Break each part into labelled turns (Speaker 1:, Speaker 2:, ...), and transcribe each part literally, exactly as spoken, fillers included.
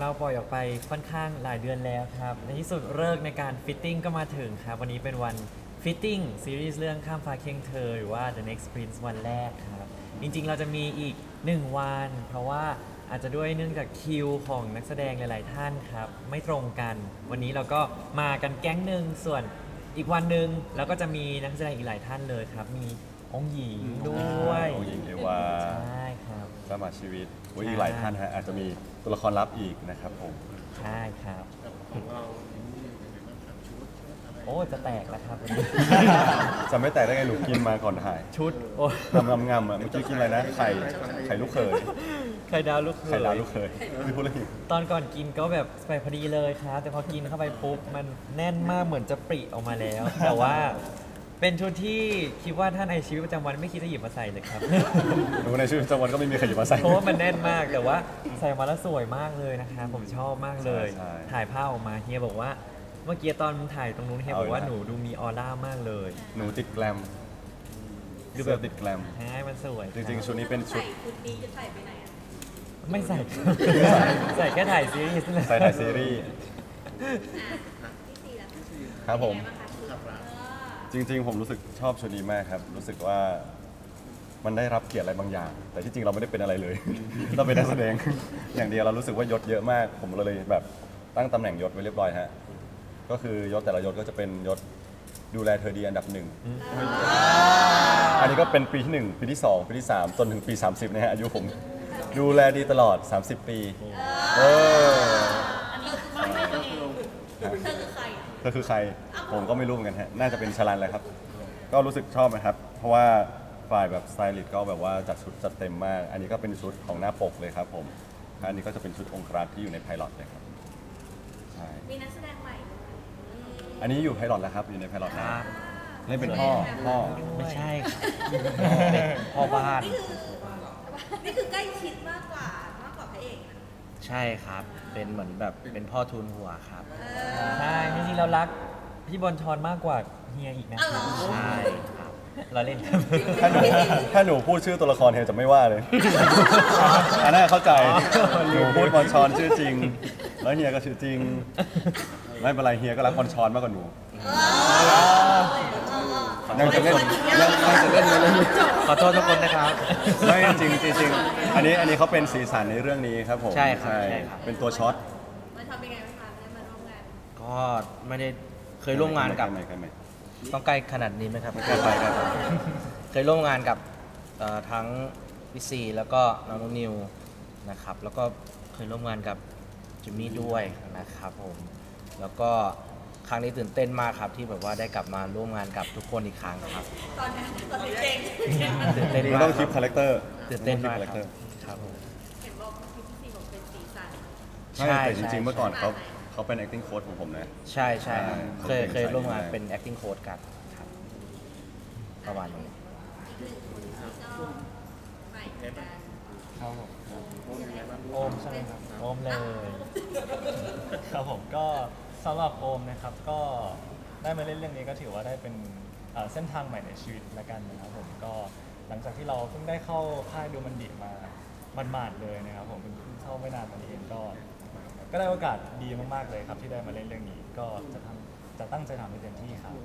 Speaker 1: เราปล่อยออกไปค่อนข้างหลายเดือนแล้วครับในที่สุดเลิกในการฟิตติ้งก็มาถึงครับวันนี้เป็นวันฟิตติ้งซีรีส์เรื่องข้ามฟ้าเคียงเธอหรือว่า The Next Prince วันแรกครับจริงๆเราจะมีอีกหนึ่งวันเพราะว่าอาจจะด้วยเนื่องจากคิวของนักแสดงหลายๆท่านครับไม่ตรงกัน วันนี้เราก็มากันแก๊งหนึ่งส่วนอีกวันหนึ่งเราก็จะมีนักแสดงอีกหลายท่านเลยครับมีองค์หญิงด้วย
Speaker 2: องค์หญิงเอวา
Speaker 1: ใช่ครับ
Speaker 2: สมาชีวิตอุ๊ยอีกหลายท่านฮะอาจจะมีตัวละครลับอีกนะครับผม
Speaker 1: ใช่ครับ
Speaker 3: ของเรา
Speaker 1: โอ้จะแตกแล้วครับวันนี้
Speaker 2: จะไม่แตกได้ไงหนูกินมาก่อนถ่าย
Speaker 1: ชุดโอ้
Speaker 2: งำงำงำอ่ะเมื่อกี้กินอะไรนะไข่ไข่ลูกเขย
Speaker 1: ไข่ดาวลูกเข
Speaker 2: ไข่ดาวย ลู
Speaker 1: ย
Speaker 2: กเขยไม่พูดเลย
Speaker 1: ตอนก่อนกินก็แบบไปพอดีเลยครับ แต่พอกินเข้าไปปุ๊บ มันแน่นมากเหมือนจะปริออกมาแล้ว แต่ว่าเป็นชุดที่คิดว่าท่านในชีวิตประจำวันไม่คิดจะหยิบมาใส่เลยครับ
Speaker 2: หนูในชีวิตประจำวันก็ไม่มีใครหยิบมาใส่
Speaker 1: เพราะว่ามันแน่นมากแต่ว่าใส่มาแล้วสวยมากเลยนะคะผมชอบมากเลย
Speaker 2: ใช่
Speaker 1: ถ่ายภาพออกมาเฮียบอกว่าเมื่อกี้ตอนถ่ายตรงนู้นเฮียบอกว่า
Speaker 2: เอาอีกแล้ว
Speaker 1: หนูดูมีออร่ามากเลย
Speaker 2: หนูติดแกลม
Speaker 1: ดู
Speaker 2: ดู
Speaker 1: แบบ
Speaker 2: แบบติดแกลม
Speaker 1: ใช่มันสวย
Speaker 2: จริงๆชุดนี้เป็นชุด
Speaker 4: ใส่ชุดนี้จะใส่ไปไหนอ่ะ
Speaker 1: ไม่ใส่ ใส่แค่ถ่ายซีรีส์นั่นแหละ
Speaker 2: ใส่ถ่ายซีรีส์
Speaker 4: พี่ซีแล้ว
Speaker 2: ครับผม
Speaker 4: เป็นไงางคะชุดเออ
Speaker 2: จริงๆ ผมรู้สึกชอบชุดนี้มากครับ รู้สึกว่ามันได้รับเกียรติอะไรบางอย่าง แต่ที่จริงเราไม่ได้เป็นอะไรเลย เราเป็นนักแสดง อย่างเดียวเรารู้สึกว่ายศเยอะมาก ผมเลยแบบตั้งตำแหน่งยศไว้เรียบร้อยฮะ ก็คือยศแต่ละยศก็จะเป็นยศดูแลเธอดีอันดับหนึ่ง อันนี้ก็เป็นปีที่หนึ่งปีที่สองปีที่สามจนถึงปีสามสิบนะฮะอายุผมดูแลดีตลอดสามสิบปีเออ
Speaker 4: อันนี้คือใครตัวเองเธอคือใครอ่ะ
Speaker 2: ก็คือใครผมก็ไม่รู้เหมือนกันฮะน่าจะเป็นชลันแหละครับ ก็รู้สึกชอบนะครับ เพราะว่าฝ่ายแบบสไตลิสต์ก็แบบว่าจัดชุดจัดเต็มมาก อันนี้ก็เป็นชุดของหน้าปกเลยครับผมอันนี้ก็จะเป็นชุดองครักษ์ที่อยู่ในไพลอตเลยครับใช่
Speaker 4: มีนักแสดงใหม่ด้วยอืม
Speaker 2: อันนี้อยู่ไพลอตแล้วครับอยู่ในไพลอตแล้วเล่นเป็นพ่อพ่อ
Speaker 1: ไม่ใช่ครับเป็นพ่อบ้าน
Speaker 4: นี่คือนี่คือใกล้ชิดมากกว่ามากกว่าพระเอกนะ
Speaker 5: ใช่ครับ เป็นเหมือนแบบเป็นพ่อทูลหัวครับ
Speaker 4: เออ
Speaker 1: ใช่จริงๆเรารักพี่บอลชอนมากกว่าเฮียอีกนะ
Speaker 4: อ้าวเหรอ
Speaker 5: ใช่ครับ
Speaker 1: เราเล่นครับ
Speaker 2: ถ้าหนูถ้าหนูพูดชื่อตัวละครเฮียจะไม่ว่าเลย อันนั้นเข้าใจ หนูพูดบอลชอนชื่อจริง แล้วเฮียก็ชื่อจริง ไม่เป็นไรเฮียก็รักบอลชอนมากกว่าหนู ยังจะเล่นยังยังจะเล่นเลย
Speaker 5: ขอโทษทุกคนนะครับ
Speaker 2: ไม่จริงจริงจริงอันนี้อันนี้เขาเป็นสีสันในเรื่องนี้ครับผม
Speaker 5: ใช่ครับใช่ครับ
Speaker 2: เป็นตัวช็อต
Speaker 4: มันทำเป็นไงบ้างคะได้มาร่วมงาน
Speaker 5: ก็ไม่ได้เคยร่วมงานกับ
Speaker 2: ใครใครใครใคร
Speaker 5: ต้องใกล้ขนาดนี้ไหมครับ
Speaker 2: ใกล้ไปใกล้ไป
Speaker 5: เคยร่วมงานกับเอ่อทั้งพี่ซีแล้วก็น้องนิวนะครับ แล้วก็เคยร่วมงานกับจิมมี่ด้วยนะครับผม แล้วก็ครั้งนี้ตื่นเต้นมากครับที่แบบว่าได้กลับมาร่วมงานกับทุกคนอีกครั้งครับ
Speaker 4: ตอนนี้ตอนนี้เก่ง
Speaker 5: ตื่นเต้น
Speaker 2: มัน
Speaker 5: มาก
Speaker 2: ต้อง
Speaker 5: ค
Speaker 2: คิ
Speaker 5: รั
Speaker 2: ป
Speaker 5: บ
Speaker 2: คาแรคเตอร์
Speaker 5: ตื่นเต้นมาก
Speaker 2: คาแรค
Speaker 5: ค
Speaker 2: เต
Speaker 5: รั
Speaker 2: อบ ร์
Speaker 5: ครับผม
Speaker 4: เห็นบอกพี่พี่ซีบอกเป็นสีสัน
Speaker 2: ใช่แต่จริงๆ เมื่อก่อนเขาเขาเป็น acting coach ของผมนะ
Speaker 5: ใช่ใช่ครับ
Speaker 2: ใช่
Speaker 5: เคย
Speaker 2: เขาเป็น
Speaker 5: เคยร่วมงาน
Speaker 2: สายนี้
Speaker 5: เป็น acting coach กันครับประมาณนี้
Speaker 4: อีกหนึ่งคนที่ก็ใหม่เหมือนกัน
Speaker 1: ครับผม
Speaker 4: ยังไงบ้าง
Speaker 1: โอมใช่ไหมครับโอมเลย
Speaker 6: ครับผมก็สำหรับโอมนะครับก็ได้มาเล่นเรื่องนี้ก็ถือว่าได้เป็นเอ่อเส้นทางใหม่ในชีวิตละกันนะครับผมก็หลังจากที่เราเพิ่งได้เข้าค่ายดูมันดิมามันมาดๆเลยนะครับผมเพิ่งเข้าไม่นานมานี้เองก็ก็ได้โอกาสดีมากๆเลยครับที่ได้มาเล่นเรื่องนี้ ก็จะทำจะตั้งใจทำให้เต็มที่ครับ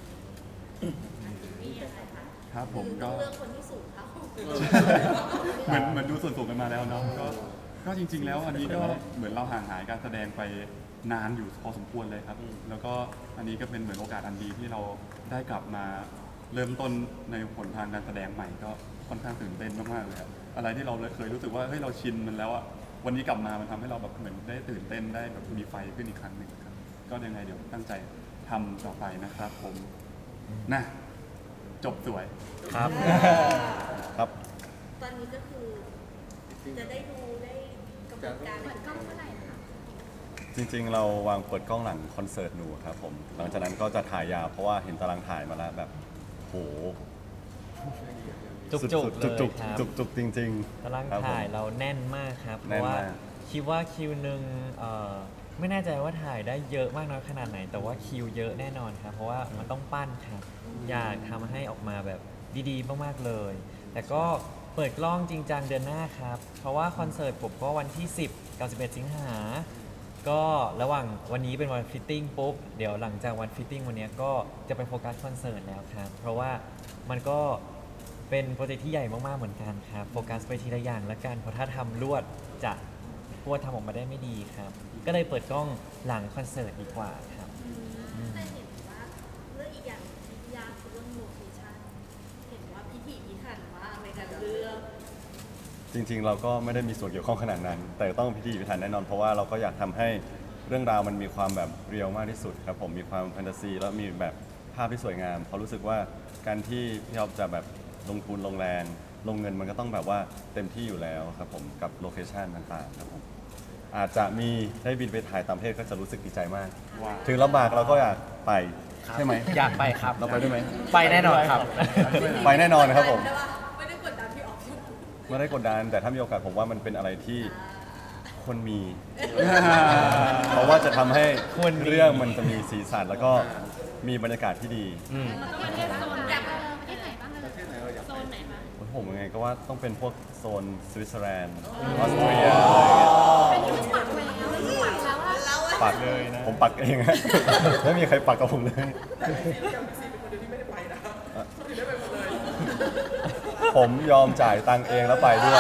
Speaker 4: มีอะไรคะ
Speaker 3: ครับผม
Speaker 4: ต้
Speaker 3: ก็
Speaker 4: องเลือกคนที่สูงเท่า
Speaker 3: เหมือนเหมือนดูส่วนสูงกันมาแล้วเนาะก็ก็จริง ๆ แล้วอันนี้ก็เหมือนเราห่างหายการแสดงไปนานอยู่พอสมควรเลยครับ แล้วก็อันนี้ก็เป็นเหมือนโอกาสอันดีที่เราได้กลับมาเริ่มต้นในผลทางการแสดงใหม่ก็ค่อนข้างตื่นเต้นมากๆเลยครับอะไรที่เราเคยรู้สึกว่าเฮ้ยเราชินมันแล้วอะวันนี้กลับมามันทำให้เราแบบเหมือนได้ตื่นเต้นได้แบบมีไฟขึ้นอีกครั้งหนึ่งครับก็ยังไงเดี๋ยวตั้งใจทำต่อไปนะครับ ผมนะจบสวย
Speaker 5: ครับ
Speaker 2: ครับ
Speaker 4: ตอนนี้ก็คือจะได้ดูได้กำหนดการเปิดกล้องเมื่อไหร่นะคะ
Speaker 2: จริงๆ เราวางเปิดกล้องหลังคอนเสิร์ตหนูครับผม หลังจากนั้นก็จะถ่ายยาวเพราะว่าเห็นตารางถ่ายมาแล้วแบบโห
Speaker 1: จุก
Speaker 2: สุ
Speaker 1: จุก
Speaker 2: ด
Speaker 1: เล
Speaker 2: ๆจุก
Speaker 1: ยครับ
Speaker 2: ๆจุกๆจุกๆจริงๆ
Speaker 1: ตาราง
Speaker 2: ครับผม
Speaker 1: ถ่ายเราแน่นมากครับ เพ
Speaker 2: แน่น
Speaker 1: ราะว่าม
Speaker 2: าก
Speaker 1: คิดว่าคิวหนึ่งเอ่อไม่แน่ใจว่าถ่ายได้เยอะมากน้อยขนาดไหน แต่ว่าคิวเยอะแน่นอนครับ เพราะว่ามันต้องปั้นครับ อยากทำให้ออกมาแบบดีๆมากๆเลย แต่ก็เปิดกล้องจริงจังเดือนหน้าครับ เพราะว่าคอนเสิร์ตผมก็วันที่ สิบกับสิบเอ็ดสิงหาก็ระหว่างวันนี้เป็นวันฟิตติ้งปุ๊บเดี๋ยวหลังจากวันฟิตติ้งวันเนี้ยก็จะไปโฟกัสคอนเสิร์ตแล้วครับเพราะว่ามันก็เป็นโปรเจกต์ที่ใหญ่มากๆเหมือนกันครับโฟกัสไปทีละอย่างละกันเพราะถ้าทำรวดจะพวดทำออกมาได้ไม่ดีครับก็เลยเปิดกล้องหลังคอนเสิร์ตดีกว่าครับ
Speaker 4: แต่เห็นว่าเรื่องอีกอย่างที่ยากคือเรื่องโลเคชั่นเห็นว่าพิถีพิถันมากในการเลือก
Speaker 2: จริงๆ เราก็ไม่ได้มีส่วนเกี่ยวข้องขนาดนั้น แต่ต้องพิธีพิถันแน่นอนเพราะว่าเราก็อยากทำให้เรื่องราวมันมีความแบบเรียลมากที่สุดครับผมมีความแฟนตาซีแล้วมีแบบภาพที่สวยงามเพราะรู้สึกว่าการที่พี่อ๊อฟจะแบบลงทุนลงแรงลงเงินมันก็ต้องแบบว่าเต็มที่อยู่แล้วครับผมกับโลเคชันต่างๆครับผมอาจจะมีได้บินไปถ่ายต่างประเทศก็จะรู้สึกดีใจมาก
Speaker 3: ว้าว
Speaker 2: ถึงลำบากเราก็อยากไปใช่ไหม
Speaker 5: อยากไปครับ
Speaker 2: เราไปด้วยไหม
Speaker 5: ไปแน่นอนครับ
Speaker 2: ไปแน่นอนนะครับผม
Speaker 4: แต่ว่าไม่ได้กดดันพี่ออก
Speaker 2: ไม่ได้กดดันแต่ถ้ามีโอกาสผมว่ามันเป็นอะไรที่คนมี เพราะว่าจะทำให้
Speaker 1: ควรมี
Speaker 2: เรื่องมันจะมีสีสันแล้วก็มีบรรยากาศที่ดี
Speaker 5: อืม
Speaker 4: ประเทศโซนแบบประเทศไหนบ้างเลยโซนไหนคะ
Speaker 2: ผมยังไงก็ว่าต้องเป็นพวกโซนสวิตเซอร์แลนด์ออสเตรียอะไรอย่างเงี้ย
Speaker 4: เป็นที่ปักแล้วปักแล้วอะเราอะ
Speaker 2: ปักเลยนะผมปักเองฮะ ไม่มีใครปักกับผมเลย ผมยอมจ่ายตังค์เองแล้วไปด้วย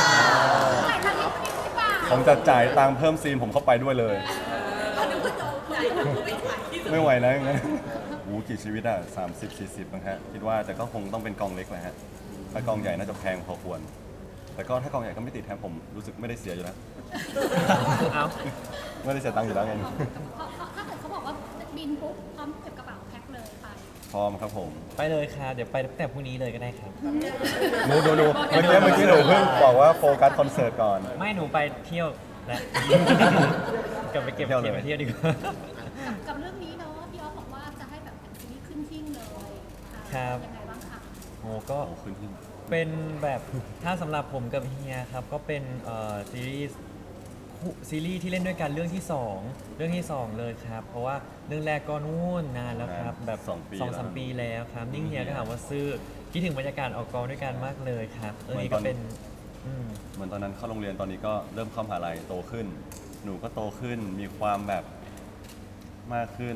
Speaker 2: ผมจะจ่ายตังค์เพิ่มซีนผมเข้าไปด้วยเลย
Speaker 4: เรานึกว่าโจมใจไม่ถ่ายที่
Speaker 2: ไม่ไหวนะอย่างนั้นโอ้โหกี่ชีวิตอ่ะสามสิบสี่สิบนะฮะคิดว่าแต่ก็คงต้องเป็นกองเล็กแหละฮะถ้ากองใหญ่น่าจะแพงพอควร แต่ก็ถ้ากองใหญ่ก็ไม่ติดแทนผมรู้สึกไม่ได้เสียอยู่แล้ว
Speaker 1: เอา
Speaker 2: ไม่ได้เสียตังค์อยู่แล้วไง
Speaker 7: ถ้าเกิดเขาบอกว่าบินปุ๊บพร้อมเก็บกระเป๋าแพ็คเลยไป
Speaker 2: พร้อมครับผม
Speaker 1: ไปเลยครับเดี๋ยวไปตั้งแต่พรุ่งนี้เลยก็ได้ครับ
Speaker 2: หนูหนูหนูเมื่อกี้เมื่อกี้หนูเพิ่งบอกว่าโฟกัสคอนเสิร์ตก่อน
Speaker 1: ไม่หนูไปเที่ยวและ กลับไปเก็บ
Speaker 2: เที่ยวเลย
Speaker 1: เก็บไปเที่ยวดีกว่า
Speaker 7: กับกับเรื่องนี้เนาะพี่ออฟบอกว่าจะให้แบบเป็นซีรีส์ขึ้นหิ้งเลยอ่า
Speaker 1: ครับ
Speaker 7: ยังไงบ้างคะ
Speaker 1: โอ้ก็
Speaker 2: โอ้ขึ้นที่
Speaker 1: เป็นแบบถ้าสำหรับผมกับเฮียครับ ก็เป็นเอ่อซีรีส์คู่ซีรีส์ที่เล่นด้วยกันเรื่องที่สองเรื่องที่สองเลยครับ เพราะว่าเรื่องแรกก็นู่นนานแล้วครับ แบบ
Speaker 2: สองปี
Speaker 1: สองสาม
Speaker 2: แล้ว
Speaker 1: ปีแล้วครับ นิ่งเฮียก็ถามว่าซื้อคิดถึงบรรยากาศออกกองด้วยกันมากเลยครับเรื่องนี้ก็เป็นอืม
Speaker 2: เหมือนตอนนั้นเข้าโรงเรียนตอนนี้ก็เริ่มเข้ามหาลัยโตขึ้น หนูก็โตขึ้นมีความแบบมากขึ้น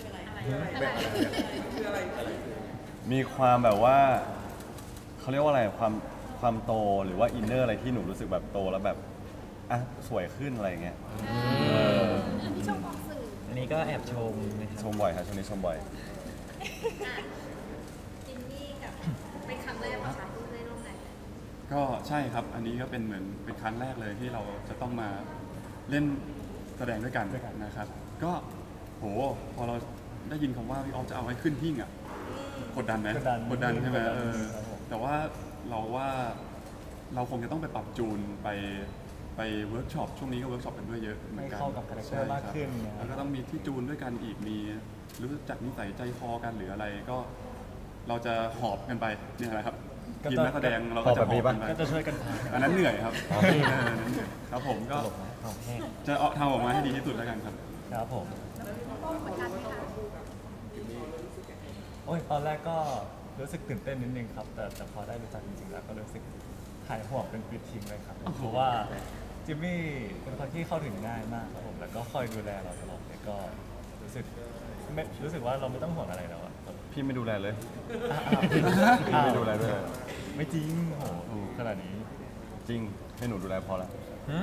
Speaker 2: มีความแบบว่าเขาเรียกว่าอะไรความความโตหรือว่าอินเนอร์อะไรที่หนูรู้สึกแบบโตแล้วแบบอ่ะสวยขึ้นอะไรอย่างเงี้ยเออ
Speaker 7: อันนี้ชมออกสื่อ
Speaker 1: อันนี้ก็แอบชมนะค
Speaker 2: ช
Speaker 1: รับ
Speaker 2: มบ่อยครับช่วงนี้ชมบ่อย
Speaker 4: อ่ะจินนี่กับเป็นครั้งแรกของฉันที่ได้ร่วมงานกัน
Speaker 3: ก็ใช่ครับ อันนี้ก็เป็นเหมือนเป็นครั้งแรกเลยที่เราจะต้องมาเล่นแสดงด้วยกันนะครับ ก็โหพอเราได้ยินคำว่าพี่ออฟจะเอาให้ขึ้นหิ้งอ่ะกดดันไหม
Speaker 6: กดดัน
Speaker 3: กดดันใช่ไหม
Speaker 6: กดดัน
Speaker 3: เออ
Speaker 6: ครับผม
Speaker 3: แต่ว่าเราว่าเราคงจะต้องไปปรับจูนไปไปเวิร์กช็อปช่วงนี้ก็เวิร์กช็อปกันด้วยเยอะเหมือนกัน
Speaker 6: ให้เข้ากับคาแรคเตอร์
Speaker 3: ใช่
Speaker 6: มากขึ้นนะครับ
Speaker 3: แล้วก็ต้องมีที่จูนด้วยกันอีกมีรู้จักนิสัยใจคอกันหรืออะไรก็ เราจะหอบกันไปเนี่ยแหละครับ
Speaker 6: ก็
Speaker 3: ทีม
Speaker 6: ต้อง
Speaker 3: นักแสดงเราก็จะ
Speaker 2: หอบแบบนี้ปะ
Speaker 3: กันไป
Speaker 6: ก็จะช่วยกันพา
Speaker 3: อันนั้นเหนื่อยครับเอออันนั้นเหนื่อยครับผมก็
Speaker 1: ตลกนะเอาแห้ง
Speaker 3: จะเอาทำออกมาให้ดีที่สุดแล้วกันครับ
Speaker 6: ครับผม
Speaker 7: ต้องกดดันไหมคะ
Speaker 6: โอ้ยตอนแรกก็รู้สึกตื่นเต้นนิดนึงครับ แต่แต่พอได้รู้จักจริงๆแล้วก็รู้สึกหายห่วงเป็นปลิดทิ้งเลยครับ เพราะว่าจิมมี่เป็นคนที่เข้าถึงง่ายมากครับผม แล้วก็คอยดูแลเราตลอดเลยก็รู้สึกไม่รู้สึกว่าเราไม่ต้องห่วงอะไรแล้วอะแบบ
Speaker 2: พี่ไม่ดูแลเลย
Speaker 6: อ้าว
Speaker 2: พี่ไม่ดูแลด้วย
Speaker 6: ไม่จริงโหขนาดนี้
Speaker 2: จริงให้หนูดูแลพอแล้ว
Speaker 1: หืม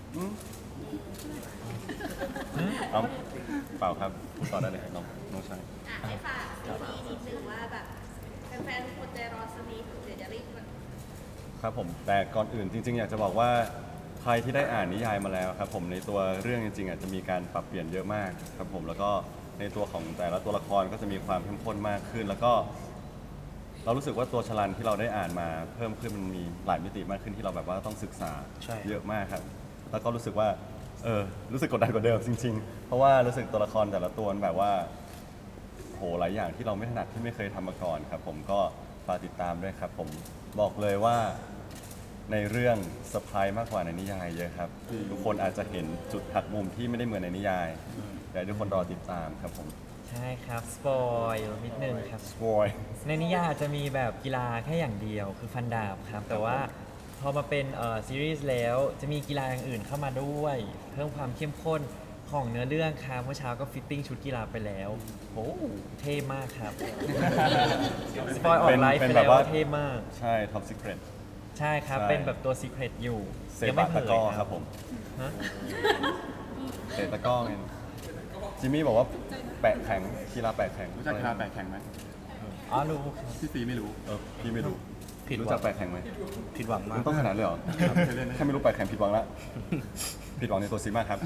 Speaker 2: เอาเปล่าครับพูดต่อได้เลยน้องน้องชาย
Speaker 4: อ่ะให้ฝากซีรีส์นิดนึงว่าแบบแฟนๆทุกคนใจรอสนิทเดี๋ยวจะรีบมา
Speaker 2: ครับผมแต่ก่อนอื่นจริง ๆ อยากจะบอกว่าใครที่ได้อ่านนิยายมาแล้วครับผมในตัวเรื่องจริงๆอาจจะมีการปรับเปลี่ยนเยอะมากครับผมแล้วก็ในตัวของแต่ละตัวละครก็จะมีความเข้มข้นมากขึ้น แล้วก็เรารู้สึกว่าตัวชลันที่เราได้อ่านมาเพิ่มขึ้นมันมีหลายมิติมากขึ้นที่เราแบบว่าต้องศึกษา
Speaker 5: ใช่
Speaker 2: เยอะมากครับ แล้วก็รู้สึกว่าเออรู้สึกกดดันกว่าเดิมจริง ๆ เพราะว่ารู้สึกตัวละครแต่ละตัวมันแบบว่าโหหลายอย่างที่เราไม่ถนัดที่ไม่เคยทำมาก่อนครับผมก็ฝากติดตามด้วยครับผมบอกเลยว่า ในเรื่องเซอร์ไพรส์มากกว่าในนิยายเยอะครับ ทุกคนอาจจะเห็นจุดหักมุมที่ไม่ได้เหมือนในนิยายอยากให้ทุกคนรอติดตามครับผม
Speaker 1: ใช่ครับสปอยนิดนึงครับ
Speaker 2: สปอย
Speaker 1: ในนิยายอาจจะมีแบบกีฬาแค่อย่างเดียวคือฟันดาบครับ แต่ว่าพอมาเป็นเอ่อซีรีส์แล้วจะมีกีฬาอย่างอื่นเข้ามาด้วย เพิ่มความเข้มข้นของเนื้อเรื่องครับเมื่อเช้าก็ฟิตติ้งชุดกีฬาไปแล้วโอ้เท่มากครับ สปอยออกไลฟ์
Speaker 2: เป็
Speaker 1: ไป
Speaker 2: นแบบ
Speaker 1: แล้ว
Speaker 2: ว่า
Speaker 1: ว่าเท่มาก
Speaker 2: ใช่ Top Secret
Speaker 1: ใช่ครับ
Speaker 2: ใช่
Speaker 1: เป็นแบบตัวซีเครตอยู่
Speaker 2: เซ
Speaker 1: ยัง
Speaker 2: ปะ
Speaker 1: ไม่เผ
Speaker 2: ตะ
Speaker 1: ย
Speaker 2: กร้อ
Speaker 1: ค
Speaker 2: ค
Speaker 1: รั
Speaker 2: รั
Speaker 1: บบ
Speaker 2: ผม
Speaker 1: ฮะ
Speaker 2: เตะตะกร้อไงจิมมี่บอกว่าแปะแข็งกีฬาแปะแข็ง
Speaker 3: รู้จักกีฬาแปะแข่งไหม
Speaker 1: อ๋อรู้ครับ
Speaker 3: พี่ซีไม่รู้
Speaker 2: เออพี่ไม่รู้
Speaker 5: ผิดหวัง
Speaker 2: รู้จักแปะแข็งไหม
Speaker 5: ผิดหวังมา
Speaker 2: มั
Speaker 5: ก
Speaker 2: นต้องขนาดเลยเหรอ
Speaker 3: เคยเล่นไหม
Speaker 2: แค่ไม่รู้แปะแข็งผิดหวังละ ผิดหวังในตัวซีมากครับ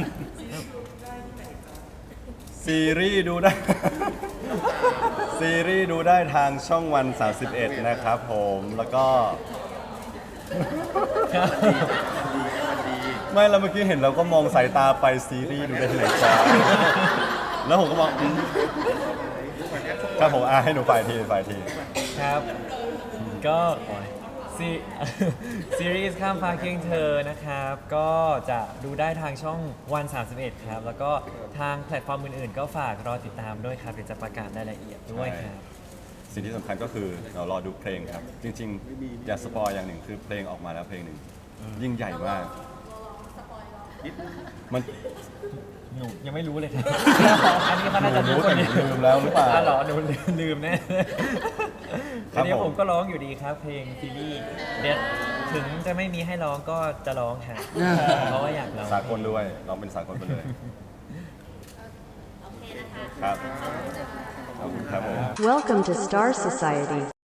Speaker 2: ซีรีส์ดูได้ ซีรีส์ดูได้ทางช่องวัน สามสิบเอ็ด นะครับผม แล้วก็ ไม่แล้วเมื่อกี้เห็นเราก็มองสายตาไปซีรีส์ดูได้ที่ไหนจ้า แล้วผมก็มองอืมครับผมอ่ะให้หนูฝ่ายทีฝ่ายที
Speaker 1: ครับ ก็ซี ซีรีส์ข้ามฟ้าเคียงเธอนะครับ ก็จะดูได้ทางช่องวัน สามสิบเอ็ด ครับ แล้วก็ทางแพลตฟอร์มอื่นๆ ก็ฝากรอติดตามด้วยครับเดี๋ยวจะประกาศรายละเอียดด้วยครับ
Speaker 2: สิ่งที่สำคัญก็คือเรารอดูเพลงครับ จริงๆ อย่าสปอยอย่างหนึ่งคือเพลงออกมาแล้วเพลงหนึ่งยิ่งใหญ่มากมัน
Speaker 1: หนูยังไม่รู้เลยครับ อันนี้เขาน่าจะรู้
Speaker 2: รู้
Speaker 1: ค
Speaker 2: แต่
Speaker 1: น
Speaker 2: หนู
Speaker 1: เดียว
Speaker 2: ลืมแล้วหรือเปล่า
Speaker 1: อ่ะเหรอหนูลืมลืมแน่
Speaker 2: ครั
Speaker 1: อั
Speaker 2: บ
Speaker 1: นนี้
Speaker 2: ผม
Speaker 1: ผมก็ร้องอยู่ดีครับ เพลงซีรีส์เดี๋ยวถึงจะไม่มีให้ร้องก็จะร้องครับ เพราะว่าอยากร้อง
Speaker 2: สากลด้วยร้องเป็นสากลไปเลย
Speaker 4: โอเคนะคะ
Speaker 2: ครับ ขอบคุณครับผม
Speaker 8: Welcome to Star Society.